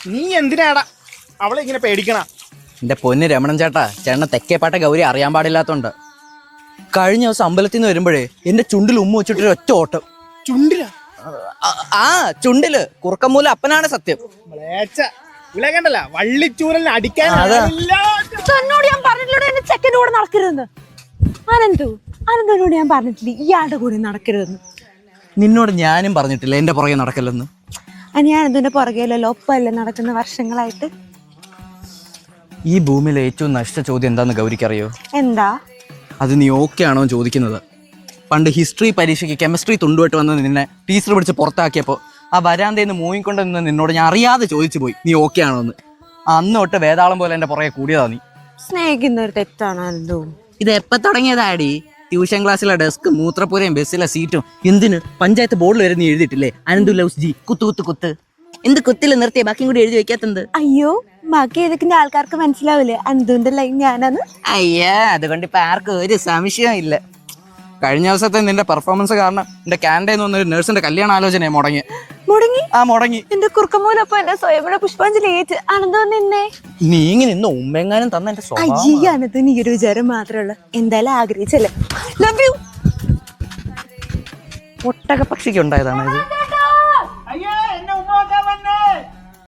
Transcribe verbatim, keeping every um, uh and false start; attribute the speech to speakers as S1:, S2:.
S1: നീ എന്തിനാടാ അവളെ ഇങ്ങനെ പേടിക്കണ?
S2: എന്റെ പൊന്ന് രമണൻ ചേട്ടാ, ചേട്ടനെ തെക്കേപ്പാട്ട ഗൗരി അറിയാൻ പാടില്ലാത്തോണ്ട് കഴിഞ്ഞ ദിവസം അമ്പലത്തിൽ നിന്ന് വരുമ്പോഴേ എന്റെ ചുണ്ടിൽ ഉമ്മ വെച്ചിട്ടൊരു ഒറ്റ ഓട്ടം.
S1: ചുണ്ടില?
S2: ആ ചുണ്ടില് കുറുക്കമ്മൂല അപ്പനാണ് സത്യം.
S1: ഇവിടെ കണ്ടല്ല വള്ളിച്ചൂരലിന് അടിക്കാൻ.
S3: എന്നോട് ഞാൻ പറഞ്ഞിട്ടില്ല എന്റെ ചെക്കൻ്റെ കൂടെ നടക്കരുതെന്ന്. അനന്തു അനന്തനോട് ഞാൻ പറഞ്ഞിട്ടില്ല ഇയാളുടെ കൂടെ നടക്കരുതെന്ന്.
S2: നിന്നോട് ഞാനും പറഞ്ഞിട്ടില്ല എന്റെ പുറകെ നടക്കല്ലെന്ന്.
S3: ഞാൻ അതിന്റെ പുറകെയല്ലോ ഒപ്പല്ലേ നടക്കുന്ന വർഷങ്ങളായിട്ട്.
S2: ഈ ഭൂമിയിലെ ഏറ്റവും നശിച്ച ചോദ്യം എന്താന്ന് ഗൗരിക്കറിയോ?
S3: എന്താ
S2: അത്? നീ ഓക്കെ ആണോ ചോദിക്കുന്നത്. പണ്ട് ഹിസ്റ്ററി പരീക്ഷയ്ക്ക് കെമിസ്ട്രി തുണ്ടുമായിട്ട് വന്ന് നിന്നെ ടീച്ചർ പിടിച്ച് പുറത്താക്കിയപ്പോൾ ആ വരാന്തേന്ന് മൂവിക്കൊണ്ട് നിന്ന് നിന്നോട് ഞാൻ അറിയാതെ ചോദിച്ചു പോയി നീ ഓക്കെ ആണോ എന്ന്. അന്ന് തൊട്ട് വേതാളം പോലെ എന്റെ പുറകെ കൂടിയതാ നീ.
S3: സ്നേഹിക്കുന്ന ഒരു തെറ്റാണ് അനന്തു.
S2: ഇത് എപ്പോ തുടങ്ങിയതാടി? ട്യൂഷൻ ക്ലാസ്സിലെ ഡെസ്ക്, മൂത്രപ്പുരയും ബസ്സിലെ സീറ്റും എന്തിന് പഞ്ചായത്ത് ബോർഡിൽ വരെ നീ എഴുതിയിട്ടില്ലേ അനന്തു ലവ്സ് ജി കുത്തു കുത്ത് കുത്ത്. എന്ത് കുത്തിൽ നിർത്തിയ ബാക്കിയും കൂടി എഴുതി വെക്കാത്തത്?
S3: അയ്യോ ബാക്കി ഏതൊക്കെ ആൾക്കാർക്ക് മനസ്സിലാവില്ലേ അനന്തുവിന്റെ ലൈൻ ഞാനാണ്.
S2: അയ്യാ അതുകൊണ്ട് ഇപ്പൊ ആർക്കും ഒരു സംശയം ഇല്ല. കഴിഞ്ഞ ദിവസത്തെ നിന്റെ പെർഫോമൻസ് കാരണം എന്റെ കാനഡയിൽ നിന്ന് ഒരു നഴ്സിന്റെ കല്യാണ ആലോചന മുടങ്ങി
S3: മുടങ്ങി
S2: ആ മുടങ്ങി.
S3: എന്റെ കുറുക്കമൂലപ്പൊ എന്റെ സ്വയംഭര പുഷ്പാഞ്ജലി ഏറ്റ് അനന്തു നിന്നെ
S2: നീ ഇങ്ങനെ ഇന്ന് ഉമ്മെങ്ങാനും തന്ന എന്റെ
S3: അയ്യ അനന്തു നീ ഒരു വിചാരം മാത്രമല്ല എന്തായാലും ആഗ്രഹിച്ചല്ലേ. Love you.
S2: ഒട്ടക പക്ഷിക്ക് ഉണ്ടായതാണ് ഇത്.